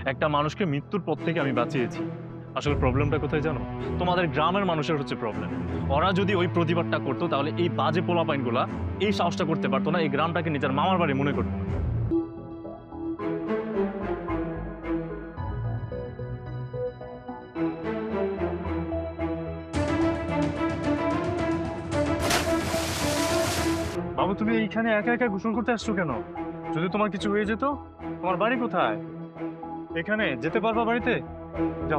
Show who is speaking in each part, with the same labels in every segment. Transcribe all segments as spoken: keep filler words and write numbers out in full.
Speaker 1: একটা মানুষকে মৃত্যুর পথ থেকে আমি বাঁচিয়েছি। আসলে প্রবলেমটা কোথায় জানো? তোমাদের গ্রামের মানুষের হচ্ছে প্রবলেম। ওরা যদি ওই প্রতিবাদটা করতো তাহলে এই বাজে পোলাপাইনগুলা এই সাহসটা করতে পারতো না, এই গ্রামটাকে নিজের মামার বাড়ি মনে করতো না। বাবু, তুমি এইখানে একা একা গোসল করতে আসছো কেন? যদি তোমার কিছু হয়ে যেত, তোমার বাড়ি কোথায়? এখানে যেতে পারবা বাড়িতে? যাও।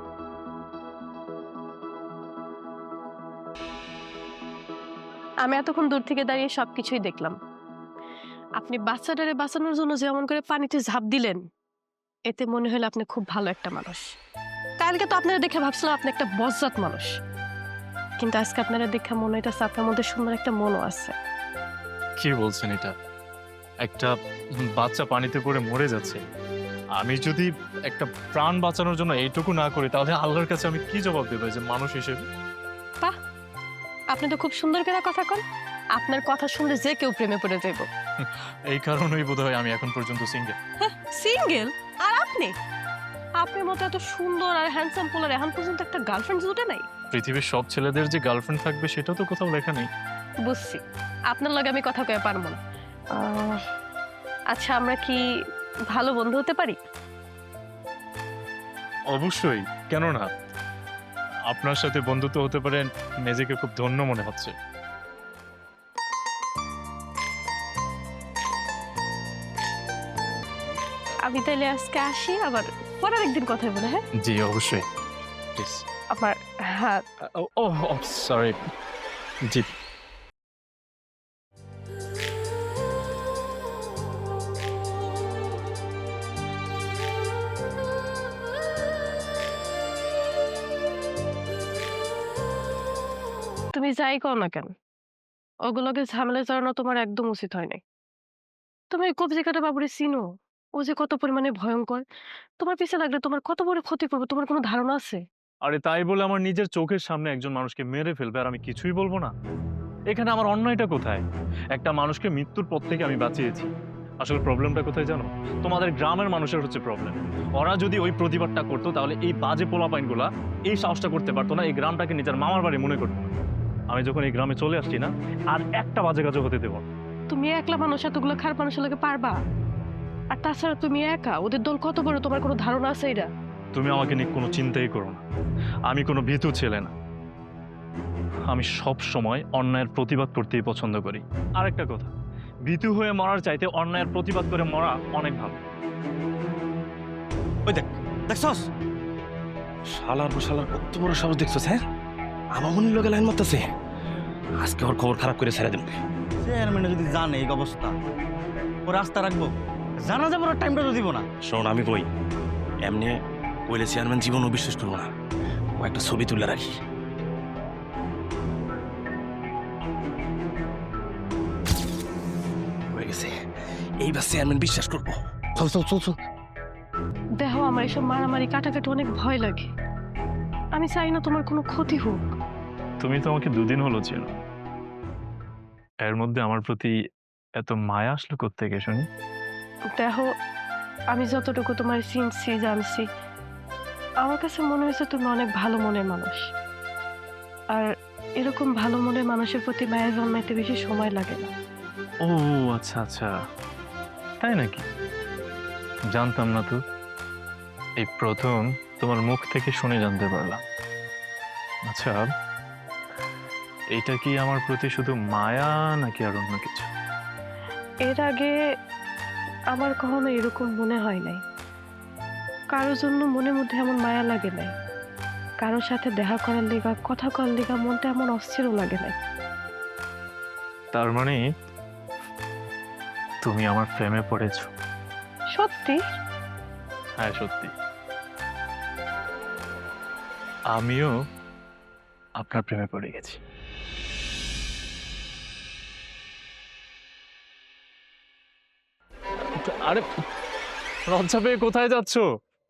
Speaker 2: আমি এতক্ষণ দূর থেকে দাঁড়িয়ে সবকিছুই দেখলাম। আপনি বাচ্চাটারে বাঁচানোর জন্য যেমন করে পানিতে ঝাঁপ দিলেন, এতে মনে হলো আপনি খুব ভালো একটা মানুষ। কালকে তো আপনারা দেখে ভাবছিলাম আপনি একটা বজ্জাত মানুষ, কিন্তু আজকে আপনারা দেখে মনে হইতেছে আপনার মধ্যে সুন্দর একটা মনও আছে।
Speaker 1: কি বলছেন এটা? একটা বাচ্চা পানিতে পড়ে মরে যাচ্ছে, আমি যদি একটা প্রাণ বাঁচানোর জন্য এইটুকু না করি তাহলে আল্লাহর কাছে আমি কি জবাব দেবো যে মানুষ হিসেবে?
Speaker 2: বাহ, আপনি তো খুব সুন্দর করে কথা কন। আপনার কথা শুনলে যে কেউ প্রেমে পড়ে যাইব।
Speaker 1: এই কারণেই বোধহয় আমি এখন পর্যন্ত সিঙ্গেল।
Speaker 2: সিঙ্গেল? আর আপনি? আপনার মতো এত সুন্দর আর হ্যান্ডসাম পোলার এখন পর্যন্ত একটা গার্লফ্রেন্ড জুটে নাই?
Speaker 1: পৃথিবীর সব ছেলেদের যে গার্লফ্রেন্ড থাকবে সেটা তো কোথাও লেখা নেই।
Speaker 2: বুঝছি, আপনার লগে আমি কথা কয়ে পারবো না। আহ, আচ্ছা, আমরা কি ভালো বন্ধু হতে পারি?
Speaker 1: অবশ্যই, কেন না? আপনার সাথে বন্ধুত্ব হতে পারেন, নিজেকে খুব ধন্য মনে হচ্ছে।
Speaker 2: আমি তাইলে আজকে আসি, আবার পরের একদিন কথা বলে। হ্যাঁ,
Speaker 1: জি অবশ্যই, প্লিজ।
Speaker 2: আমার হাত।
Speaker 1: Oh sorry. জি।
Speaker 2: তুমি যাই কও না কেন, ওগুলোকে ঝামেলা জড়ানো তোমার একদম উচিত হয় নাই। তুমি ওই কবজি কাটা বাবুরে চিনো? ও যে কত পরিমাণে ভয়ঙ্কর। তোমার পিছে লাগলে তোমার কত বড় ক্ষতি করবে, তোমার কোনো ধারণা আছে?
Speaker 1: আরে তাই বলে আমার নিজের চোখের সামনে একজন মানুষকে মেরে ফেলবে আর আমি কিছুই বলবো না? এখানে আমার অন্যায়টা কোথায়? একটা মানুষকে মৃত্যুর পথ থেকে আমি বাঁচিয়েছি। আসলে প্রবলেমটা কোথায় জানো? তোমাদের গ্রামের মানুষের হচ্ছে প্রবলেম। ওরা যদি ওই প্রতিবাদটা করতো তাহলে এই বাজে পোলাপাইনগুলা এই সাহসটা করতে পারতো না, এই গ্রামটাকে নিজের মামার বাড়ি মনে করতো না। আমি যখন এই গ্রামে চলে আসছি না, আর একটা বাজে কাজও হতে দেবো না।
Speaker 2: তুমি একলা মানুষ এতগুলো খারাপ মানুষের লোকে পারবা? আর তাছাড়া তুমি একা, ওদের দল কত বড় তোমার কোনো ধারণা আছে এটা?
Speaker 1: তুমি আমাকে নিয়ে কোনো চিন্তাই করো না, আমি কোনো ভীতু ছেলে না। আমি সব সময় অন্যায়ের প্রতিবাদ করতেই পছন্দ করি। আরেকটা কথা, ভীতু হয়ে মরার চাইতে অন্যায়ের প্রতিবাদ করে মরা অনেক ভালো।
Speaker 3: ওই দেখ, দেখছস? শালার পর শালার কত বড় সাহস দেখছস? হ্যাঁ, আমার মনে লোকে লাইন মারতেছে। আজকে ওর খবর খারাপ করে ছেড়ে দেব।
Speaker 4: চেয়ারম্যানে যদি জানে এই অবস্থা, ও রাস্তা রাখবো? জানা যাবে ওর টাইমটা তো দিব না।
Speaker 3: শোন, আমি কই, এমনি কইলে চেয়ারম্যান জীবনও বিশ্বাস করবো না। ও একটা ছবি তুলে রাখি। হয়ে গেছে, এইবার চেয়ারম্যান বিশ্বাস করবো। চল চল চল চল।
Speaker 2: দেখো, আমার এসব মারামারি কাটাকাটি অনেক ভয় লাগে। আমি চাই না তোমার কোনো ক্ষতি হোক।
Speaker 1: তুমি তো আমাকে দুদিন হলো চেনো, এর মধ্যে আমার প্রতি এত মায়া আসলো কোত্থেকে শুনি?
Speaker 2: দেখো, আমি যতটুকু তোমার চিনছি জানছি, আমার কাছে মনে হয়েছে তুমি অনেক ভালো মনের মানুষ। আর এরকম ভালো মনের মানুষের প্রতি মায়া জন্মাইতে বেশি সময় লাগে না।
Speaker 1: ও আচ্ছা আচ্ছা, তাই নাকি? জানতাম না তো, এই প্রথম তোমার মুখ থেকে শুনে জানতে পারলাম। আচ্ছা, এইটা কি আমার প্রতি শুধু মায়া নাকি আর অন্য কিছু?
Speaker 2: এর আগে আমার কখনো এরকম মনে হয় নাই। কারোর জন্য মনের মধ্যে এমন মায়া লাগে নাই। কারোর সাথে দেখা করার লেগা, কথা করার লেগা মনটা এমন অস্থিরও লাগে নাই।
Speaker 1: তার মানে তুমি আমার প্রেমে পড়েছো?
Speaker 2: সত্যি?
Speaker 1: হ্যাঁ সত্যি, আমিও আপনার প্রেমে পড়ে গেছি। আরে লজ্জা পেয়ে কোথায় যাচ্ছো?